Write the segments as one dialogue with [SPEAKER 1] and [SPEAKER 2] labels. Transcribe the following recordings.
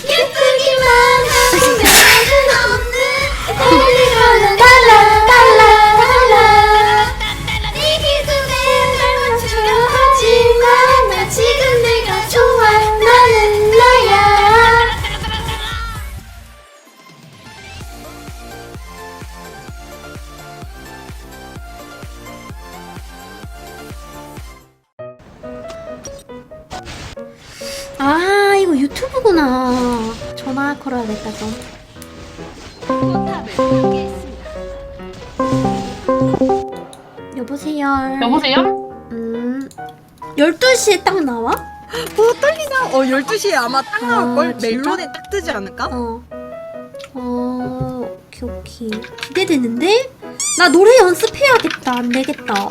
[SPEAKER 1] 예쁘기만 하고 매력은 없는 애들과는 달라 달라 달라 네 기준에 날 맞추려 하지만 나 지금 내가 좋아 나는 나야. 아 이거 유튜브구나. 전화 걸어야겠다 좀. 여보세요.
[SPEAKER 2] 여보세요?
[SPEAKER 1] 12시에 딱 나와?
[SPEAKER 3] 떨리나? 12시에 아마 딱 나올걸?
[SPEAKER 1] 진짜?
[SPEAKER 3] 멜론에 딱 뜨지 않을까?
[SPEAKER 1] 오케이 오케이. 기대되는데? 나 노래 연습해야겠다. 안 되겠다.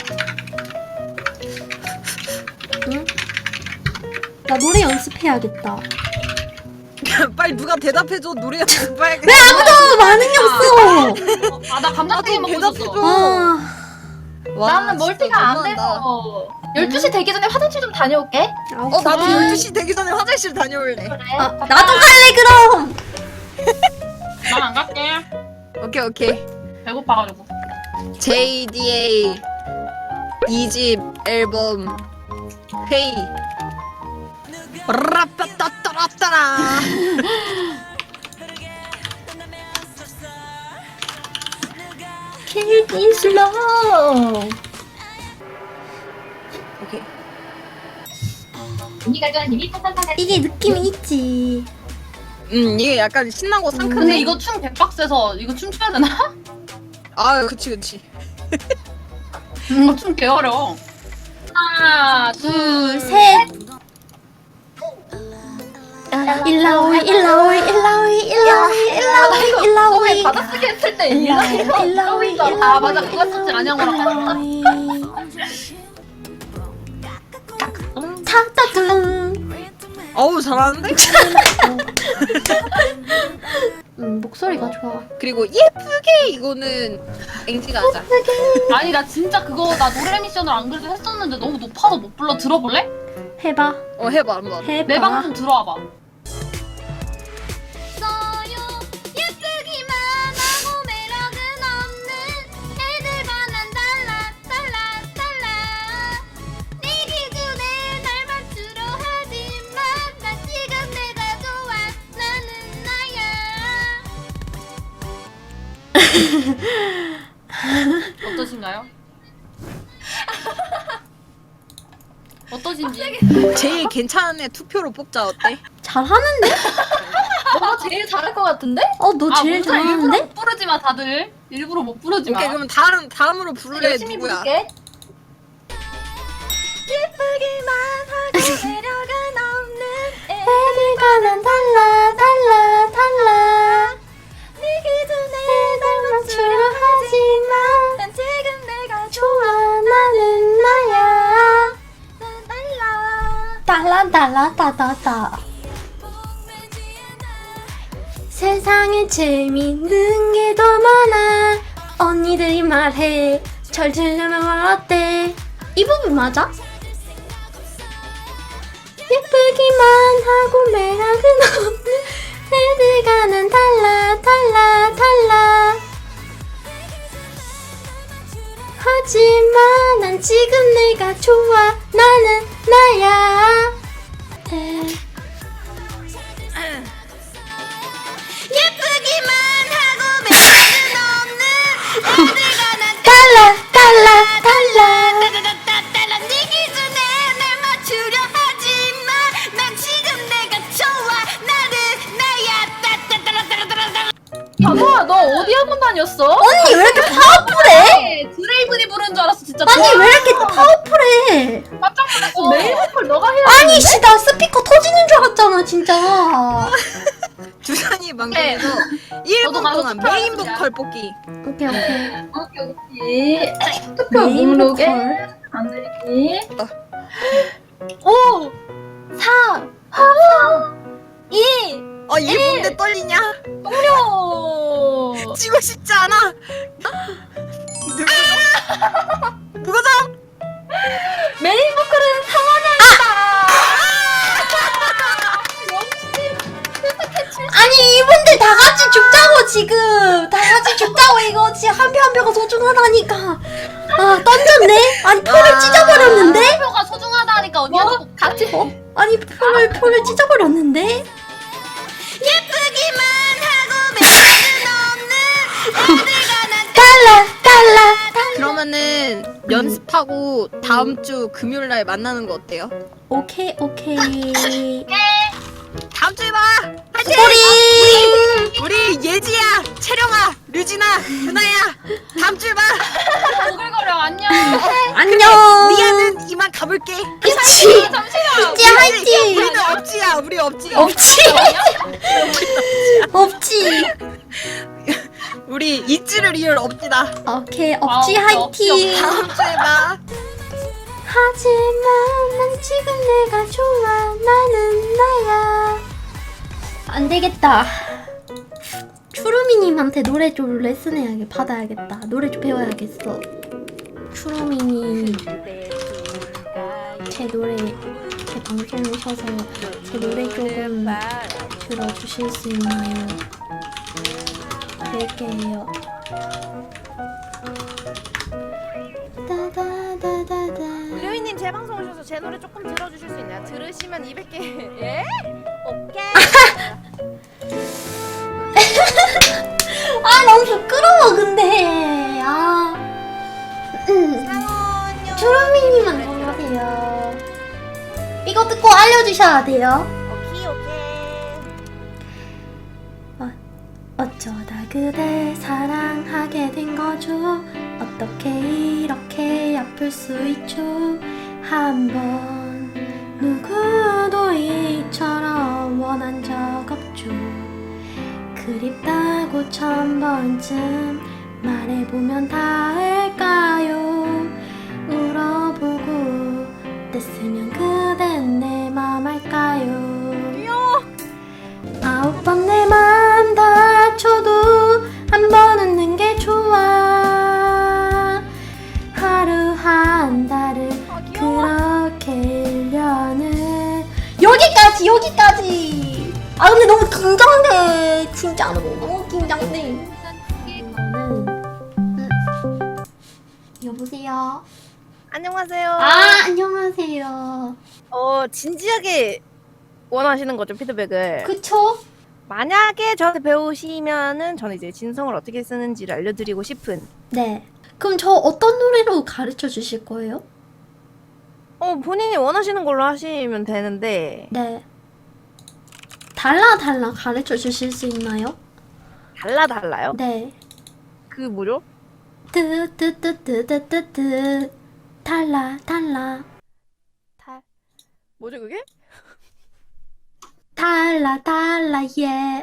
[SPEAKER 1] 응? 나 노래 연습해야겠다.
[SPEAKER 3] 빨리 누가 대답해줘. 노래 연습해야겠다.
[SPEAKER 1] 왜 아무도 반응이 없어?
[SPEAKER 2] 아, 나 감자튀김 먹고 있었어.
[SPEAKER 3] 대답해줘.
[SPEAKER 1] 아,
[SPEAKER 3] 와,
[SPEAKER 4] 나는
[SPEAKER 3] 진짜
[SPEAKER 4] 멀티가 안
[SPEAKER 3] 너무한다.
[SPEAKER 4] 돼서 12시 되기 전에 화장실 좀 다녀올게.
[SPEAKER 3] 나도 12시 되기 전에 화장실 다녀올래.
[SPEAKER 4] 그래.
[SPEAKER 1] 아, 나도 갈래 그럼.
[SPEAKER 2] 난 안 갈게.
[SPEAKER 3] 오케이.
[SPEAKER 2] 배고파가지고.
[SPEAKER 3] JDA 2집 앨범 회의. 라빠따따라따라.
[SPEAKER 4] Keep it slow.
[SPEAKER 3] 오케이.
[SPEAKER 4] 언니가 좋아하는 힘이 팡팡팡.
[SPEAKER 1] 이게 느낌이 있지.
[SPEAKER 3] 이게 약간 신나고 상큼해.
[SPEAKER 2] 근데 이거 춤 백박스에서 이거 춤춰야 되나?
[SPEAKER 3] 아, 그치.
[SPEAKER 2] 이거 춤 개 어려워.
[SPEAKER 4] 하나,
[SPEAKER 1] 둘, 셋. 일라오이 일라오이 일라오이 일라오이 일라오이 일라오이
[SPEAKER 4] 받아쓰기 했을 때
[SPEAKER 1] 일라오이
[SPEAKER 2] 아, 맞아. 그거 춤지 안양어랑.
[SPEAKER 1] 타타둥.
[SPEAKER 3] 어우, 잘하는데?
[SPEAKER 1] 목소리가 좋아.
[SPEAKER 3] 그리고 예쁘게 이거는 앵지가 하자.
[SPEAKER 2] 아니, 나 진짜 그거, 나 노래 미션을 안 그래도 했었는데 너무 높아서 못 불러. 들어볼래?
[SPEAKER 1] 해봐.
[SPEAKER 3] 해봐 한번.
[SPEAKER 1] 해봐.
[SPEAKER 2] 내 방송 들어와봐.
[SPEAKER 1] 예쁘기만 하고 매력은 없는 애들과 난 달라 달라 달라 네 기준에 날 맞추려 하지만 난 지금 내가 좋아 나는 나야.
[SPEAKER 2] 어떠신가요? 어떠신지?
[SPEAKER 3] 제일 괜찮은 애 투표로 뽑자. 어때?
[SPEAKER 1] 잘하는데?
[SPEAKER 4] 너가 제일 잘할 것 같은데?
[SPEAKER 1] 너 제일
[SPEAKER 2] 일부러
[SPEAKER 1] 잘하는데?
[SPEAKER 2] 못 부르지 마, 다들. 일부러 못 부르지 마.
[SPEAKER 3] 오케이, 그러면 다음으로 부를래.
[SPEAKER 4] 열심히
[SPEAKER 3] 누구야?
[SPEAKER 4] 부를게.
[SPEAKER 1] 예쁘기만 하고 매력은 없는 애들과 난 달라 달라 달라 네 기준에 날 맞추려 하지만 난 지금 내가 좋아 나는 나야 난 달라 달라 따다다 세상에 재밌는 게 더 많아 언니들이 말해 잘 들려면 어때 이 부분 맞아? 예쁘기만 하고 매력은 없는 애들과는 달라 달라 달라 하지만 난 지금 내가 좋아 나는 나야 예쁘기만 하고 매력은 없는 애들과 난 달라 달라 달라 네 기준에 날 맞추려 하지만 난 지금 내가 좋아 나는 나야
[SPEAKER 4] 바보야, 너 어디 학원 다녔어?
[SPEAKER 1] 언니 왜 이렇게 파워풀해?
[SPEAKER 2] 드레이븐이 부른 줄 알았어, 진짜.
[SPEAKER 1] 아니 왜 이렇게 파워풀해?
[SPEAKER 2] 깜짝 놀랐어.
[SPEAKER 4] 메일 보컬 너가 해야
[SPEAKER 1] 아니 씨 나 스피커 터지는 줄 알았잖아 진짜.
[SPEAKER 3] 주산이 방송에서 1분
[SPEAKER 2] 가서
[SPEAKER 3] 동안
[SPEAKER 2] 투표하는
[SPEAKER 3] 메인
[SPEAKER 2] 거야.
[SPEAKER 3] 보컬 뽑기.
[SPEAKER 1] 오케이 오케이.
[SPEAKER 4] 오케이. 투표
[SPEAKER 1] 메인
[SPEAKER 4] 목록에
[SPEAKER 1] 보컬.
[SPEAKER 4] 안 들기.
[SPEAKER 2] 5, 4,
[SPEAKER 4] 2,
[SPEAKER 3] 1분인데 떨리냐?
[SPEAKER 4] 종료.
[SPEAKER 3] 지고 싶지 않아. 누구죠?
[SPEAKER 4] 메인 보컬은 상원양이다. 역시
[SPEAKER 1] 아니 이분들 다 같이 죽자고 지금 다 같이 죽자고 이거 진짜 한 표 한 표가 소중하다니까. 아 던졌네. 아니 표를 찢어버렸는데.
[SPEAKER 2] 표가 소중하다니까 언니가
[SPEAKER 4] 뭐?
[SPEAKER 2] 꼭
[SPEAKER 4] 같이
[SPEAKER 1] 아니 표를 찢어버렸는데. 예쁘기만 하고 매력은 없는 달라.
[SPEAKER 3] 그러면은 연습하고 다음 주 금요일 날 만나는 거 어때요?
[SPEAKER 1] 오케이.
[SPEAKER 3] 다음 주에 봐. 화이팅!
[SPEAKER 1] 스토리.
[SPEAKER 3] 우리 예지야, 채령아, 류진아, 유나야, 다음 주에 봐.
[SPEAKER 2] 오글거려 안녕.
[SPEAKER 1] 안녕.
[SPEAKER 3] 미아는 이만 가볼게.
[SPEAKER 1] 그치.
[SPEAKER 2] 잠시만.
[SPEAKER 1] 이제 화이팅.
[SPEAKER 3] 우리는 없지야, 우리 없지.
[SPEAKER 1] 없지.
[SPEAKER 3] 우리 잊지를 이을 없지다.
[SPEAKER 1] 오케이 없지
[SPEAKER 2] 아,
[SPEAKER 1] 화이팅.
[SPEAKER 3] 다음 주에 봐.
[SPEAKER 1] 하지만 난 지금 내가 좋아. 나는 나야. 안 되겠다. 추루미님한테 노래 좀 레슨해야겠 받아야겠다. 노래 좀 배워야겠어. 추루미님 제 노래 제 방송 오셔서 제 노래 조금 들어주실 수 있나요? 뵐게요. 따다다다다.
[SPEAKER 5] 류이님 제 방송 오셔서 제 노래 조금 들어주실 수 있나요? 들으시면 200개 예? 오케이.
[SPEAKER 1] 아 너무 부끄러워 근데. 아.
[SPEAKER 5] 상원요.
[SPEAKER 1] 추루미님 안녕하세요. 이거 듣고 알려주셔야 돼요.
[SPEAKER 5] 오케이.
[SPEAKER 1] 어쩌다 그댈 사랑하게 된 거죠. 어떻게 이렇게 아플 수 있죠. 한번 누구도 이처럼 원한 적 없죠. 그립다고 1000번쯤 말해보면 다 할까요. 울어보고 뗐으면 그댄 내 맘 알까요. 9번 내 맘 다쳐도 한 번 웃는 게 좋아. 하루 한 달을 그렇게 1년을 여기까지. 아 근데 너무 긴장돼. 진짜로 너무 긴장돼. 이거는 여보세요.
[SPEAKER 5] 안녕하세요.
[SPEAKER 1] 안녕하세요.
[SPEAKER 5] 진지하게 원하시는 거죠, 피드백을.
[SPEAKER 1] 그쵸?
[SPEAKER 5] 만약에 저한테 배우시면은 저는 이제 진성을 어떻게 쓰는지를 알려드리고 싶은.
[SPEAKER 1] 네. 그럼 저 어떤 노래로 가르쳐 주실 거예요?
[SPEAKER 5] 본인이 원하시는 걸로 하시면 되는데.
[SPEAKER 1] 네. 달라 가르쳐 주실 수 있나요?
[SPEAKER 5] 달라요?
[SPEAKER 1] 네.
[SPEAKER 5] 그 뭐죠?
[SPEAKER 1] 뜨뜨뜨뜨뜨뜨뜨 달라
[SPEAKER 5] 뭐죠 그게?
[SPEAKER 1] 달라 yeah.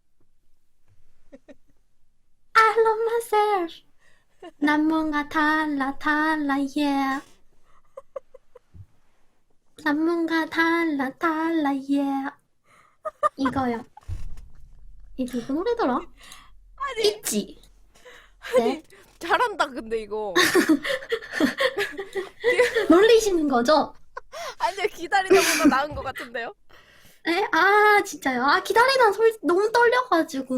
[SPEAKER 1] I love myself. 난 뭔가 달라 yeah. 난 뭔가 달라 yeah. 이거요. 이 누구 노래더라? 있지. 네.
[SPEAKER 5] 잘한다 근데 이거.
[SPEAKER 1] 놀리시는 거죠?
[SPEAKER 5] 아니요 기다리다 보다 나은 것 같은데요?
[SPEAKER 1] 에? 아 진짜요? 아 기다리다 너무 떨려가지고.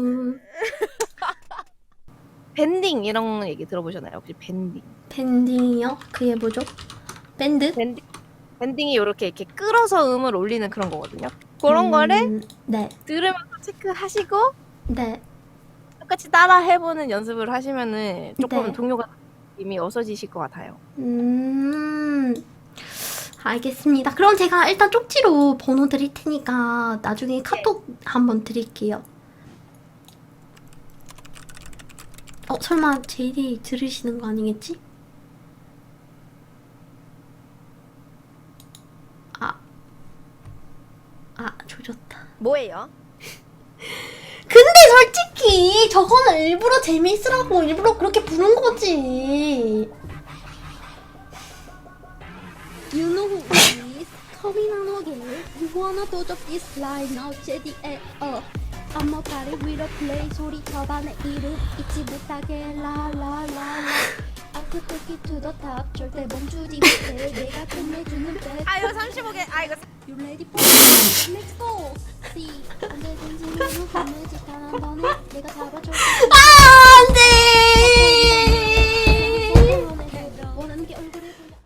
[SPEAKER 5] 밴딩 이런 얘기 들어보셨나요? 혹시 밴딩?
[SPEAKER 1] 밴딩이요? 그게 뭐죠? 밴드?
[SPEAKER 5] 밴딩이 이렇게 끌어서 음을 올리는 그런 거거든요. 그런 거를
[SPEAKER 1] 네.
[SPEAKER 5] 들으면서 체크하시고
[SPEAKER 1] 네.
[SPEAKER 5] 똑같이 따라 해보는 연습을 하시면은 조금
[SPEAKER 1] 네.
[SPEAKER 5] 동요가 이미 어서지실 것 같아요.
[SPEAKER 1] 알겠습니다. 그럼 제가 일단 쪽지로 번호 드릴 테니까 나중에 카톡 한번 드릴게요. 설마 제이디 들으시는 거 아니겠지? 조졌다.
[SPEAKER 5] 뭐예요?
[SPEAKER 1] 근데 솔직히 저거는 일부러 재미있으라고 일부러 그렇게 부른 거지. You know who is coming on again. You wanna do this line now, JDA. I'm a party with a play. 소리 쳐봐 내 이름 잊지 못하게 라라라라. I could take it to the top. 절대 멈추지 못해. 내가 끝내주는 백.
[SPEAKER 5] 이거 35개. 이거
[SPEAKER 1] You ready for it? Let's go. See, 언제든지 너무 너는 내가 잡아줘.
[SPEAKER 6] 안돼.
[SPEAKER 1] 원하는 게 얼굴에 보여.